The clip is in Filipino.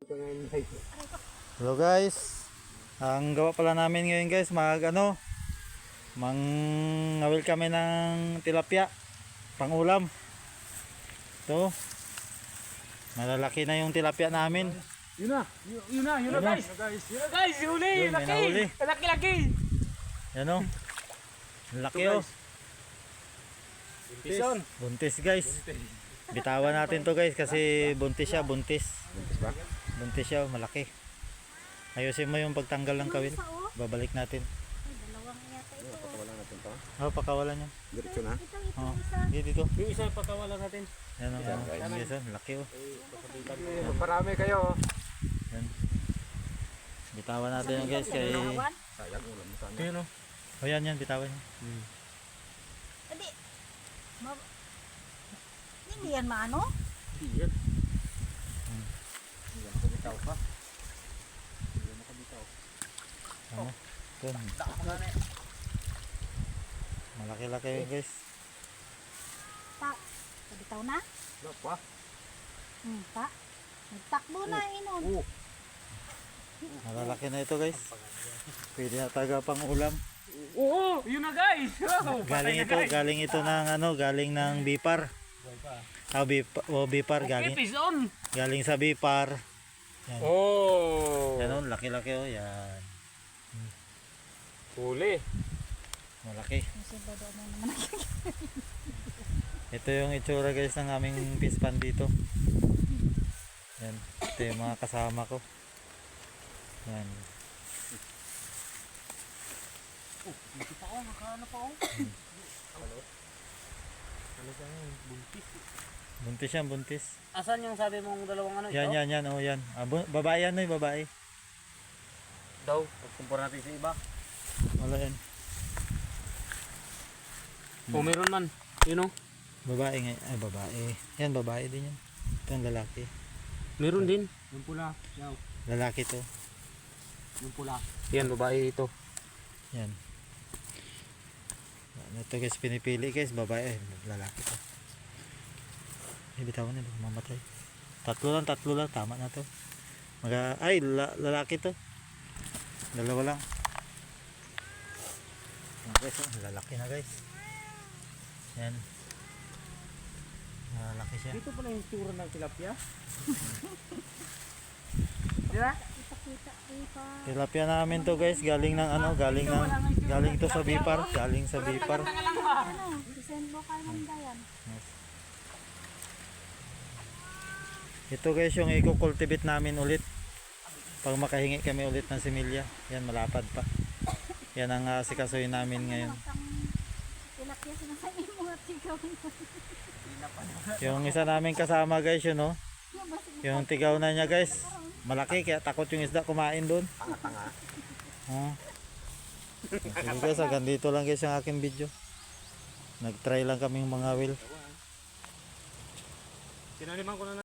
Hello guys. Ang gawa pala namin ngayon guys, mangawil kami ng tilapia pang ulam. Ito. Malalaki na yung tilapia namin. Yun na guys. Yun na guys, huli, Yun, may nahuli. laki. Yan o. Laki o. Buntis. Buntis guys. Bitawan natin to guys kasi buntis siya, buntis. Buntis ba? Buntis siya, malaki. Ayusin mo yung pagtanggal ng kawil. Babalik natin. Dalawang yata ito. Pakawalan natin to. Oh, pakawalan yan. Diretso na. Ito Oh, isa. dito. Yung isa pakawalan natin. Yan o. Yan, guys. Yes, oh, laki o. Parami kayo. Yan. Bitawan natin yan guys kay... Dalawan. Sayang ulam mo sana. Yun o. Oh, yan, bitawan yan. Adi. Hindi yan maano? Hindi yan. Hindi yan makabitaw pa. Hindi yan makabitaw. Ano? Ito. Malaki-laki yun guys. Pa. Kabitaw na? Wala pa. Pa. Nagtakbo na inon. Oo. Malalaki na ito guys. Pwede na taga pang ulam. Oo, yun na guys. Galing ito ng Bipar. Bipar galing sa Bipar. Yan. Oh. Yan o, laki-laki o, yan. Huli. Malaki. Siyempre doon na naman Ito yung itsura guys ng aming fish pan dito. Yan. Ito yung mga kasama ko. Yan. Dito pa ako, nakaano pa ako. Ano siya yun? Buntis. Buntis yan, buntis. Asan yung sabi mong dalawang ano Yan, yan, oh, yan. Babae yan, babae. Daw, pagkumpara natin sa iba. Wala yan. O meron man. Yun o. Babae nga. Ay, babae. Yan, babae din yan. Ito ang lalaki. Meron din. Yung pula. Yaw. Lalaki to. Yung pula. Yan, babae ito. Yan. Ito guys, pinipili guys, babae. Lalaki to. Bitawan na, mamatay. Tatlo lang. Tama na to. Lalaki to. Dalawa lang. Yan guys, lalaki na guys. Yan. Lalaki siya. Dito pala yung tura ng tilapia. Diba? Ipakita pa. Tilapia namin to guys, galing to sa Bipar, galing sa Bipar. Ano? Send mo kay Manda yan. Yes. Ito guys yung i-cultivate namin ulit. Pag makahingi kami ulit ng similya, yan malapad pa. Yan ang sikasuhin namin ngayon. Tilapia sinasabi mo at sigaw. Yung isa namin kasama guys, yun oh. Yung tigaw na niya guys. Malaki kaya takot yung isda kumain doon. Oh. Sige guys, hanggang dito lang guys yung aking video. Nag-try lang kaming mga will. Sinaniman ko na